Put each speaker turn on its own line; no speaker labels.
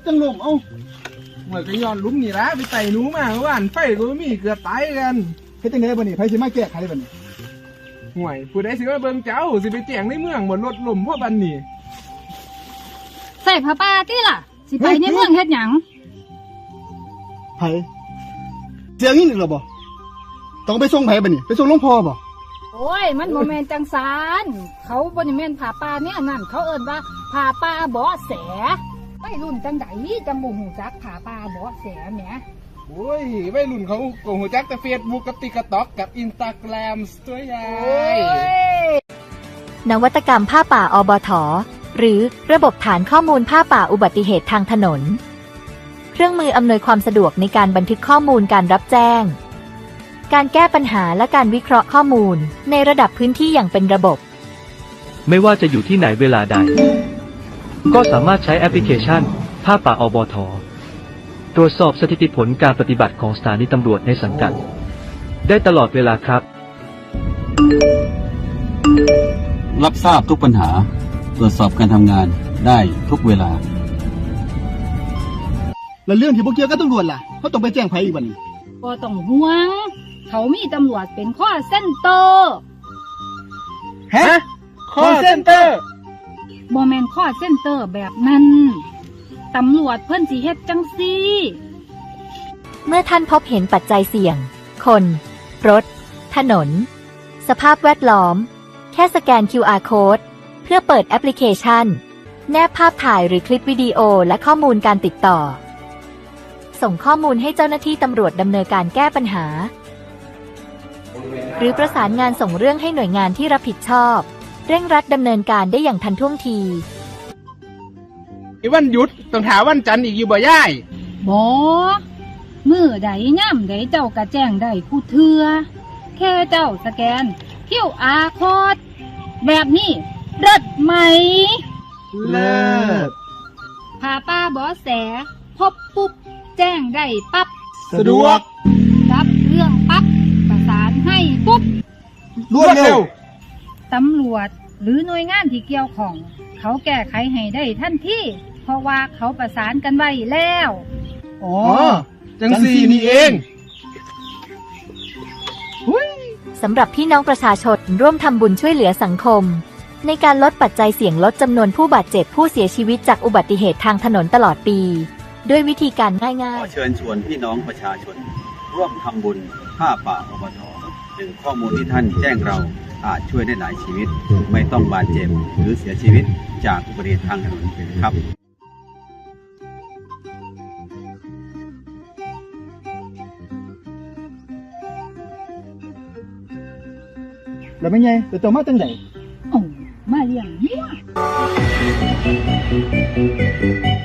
จังลมเอ้า
เหมือนก็ย้อนลุ้มนี่ละไปไต่หนูมาเมื่อวานไฟก็มีเกือบตายกัน
เฮ็ดจังได๋บ่นี่ไผสิมาแก้ไขบ่นี่
ห่วยผู้ใดสิมาเบิ่งเจ้าสิไปแจ้งในเมืองบนรถลมพ่อบันนี่
ใส่ผ้าป่าที่ล่ะ สิไปในเมืองเฮ็ดหยัง
ไผเสียงนี่นึกแล้วบ่ต้องไปส่งไผบ่นี่ไปส่งหลวงพ่อบ่
โอ้ยมันบ่แม่นจังซานเขาบ่ได้แม่นผ้าป่าเนี่ยนั่นเขาเอิ้นว่าผ้าป่าบ่อแสไปรุ่นจังไดจังบ่ฮู้จักผ้าป่าบ่อแสแหม
โอ้ยวัยรุ่นเขาโกงหัวจักแต่เฟซบุ๊กกับติ๊กต็อกกับอินสตาแกรมตัวใหญ่
นวัตกรรมผ้าป่าอบท. หรือระบบฐานข้อมูลผ้าป่าอุบัติเหตุทางถนน เครื่องมืออำนวยความสะดวกในการบันทึกข้อมูลการรับแจ้ง การแก้ปัญหาและการวิเคราะห์ข้อมูลในระดับพื้นที่อย่างเป็นระบบ
ไม่ว่าจะอยู่ที่ไหนเวลาใด ก็สามารถใช้แอปพลิเคชันผ้าป่าอบท. ตรวจสอบสถิติผลการปฏิบัติของสถานีตำรวจในสังกัดได้ตลอดเวลาครับ
รับทราบทุกปัญหาตรวจสอบการทำงานได้ทุกเวลา
แล้วเรื่องที่บ่เกี่ยวกับตำรวจล่ะเขาต้องไปแจ้งไผอีกบ่นี่
บ่ต้องห่วง เขามีตำรวจเป็นข้อเส้นเตอร์
ฮะคอเซ็นเตอร์
บ่แม่นข้อเส้นเตอร์แบบนั้นตำรวจเพิ่นสิเฮ็ดจังซี่
เมื่อท่านพบเห็นปัจจัยเสี่ยง คน รถ ถนน สภาพแวดล้อม แค่สแกน QR Code เพื่อเปิดแอปพลิเคชัน แนบภาพถ่ายหรือคลิปวิดีโอและข้อมูลการติดต่อ ส่งข้อมูลให้เจ้าหน้าที่ตำรวจดำเนินการแก้ปัญหา หรือประสานงานส่งเรื่องให้หน่วยงานที่รับผิดชอบ เร่งรัดดำเนินการได้อย่างทันท่วงที
ไอ้วันหยุดต้องถามวันจันทร์อีกอยู่บ่ย่าย
บ่มื้อใดย่ำใดเจ้าก็แจ้งได้ผู้เทื่อแค่เจ้าสแกน QR Code แบบนี้เลิศไหม
เลิศ
ผ้าป่าบ่อแสพบปุ๊บแจ้งได้ปั๊บ
สะดวก
รับเรื่องปั๊บประสานให้ปุ๊บ
รวดเร็ว
ตำรวจหรือหน่วยงานที่เกี่ยวข้องเขาแก้ไขให้ได้ทันทีเพราะว่าเขาประสานกันไว้แล้ว
อ๋อ
จังสี่นี่เอง
สำหรับพี่น้องประชาชนร่วมทำบุญช่วยเหลือสังคม ในการลดปัจจัยเสี่ยงลดจำนวนผู้บาดเจ็บผู้เสียชีวิตจากอุบัติเหตุทางถนนตลอดปี ด้วยวิธีการง่าย
ขอเชิญชวนพี่น้องประชาชน ร่วมทำบุญผ้าป่าอบท. หนึ่งข้อมูลที่ท่านแจ้งเราอาจช่วยได้หลายชีวิต ไม่ต้องบาดเจ็บหรือเสียชีวิตจากอุบัติเหตุทางถนนครับ
แล้วไม่ไงแต่เจ้ามาจังได๋
โอ้มาเลี้ยงวัว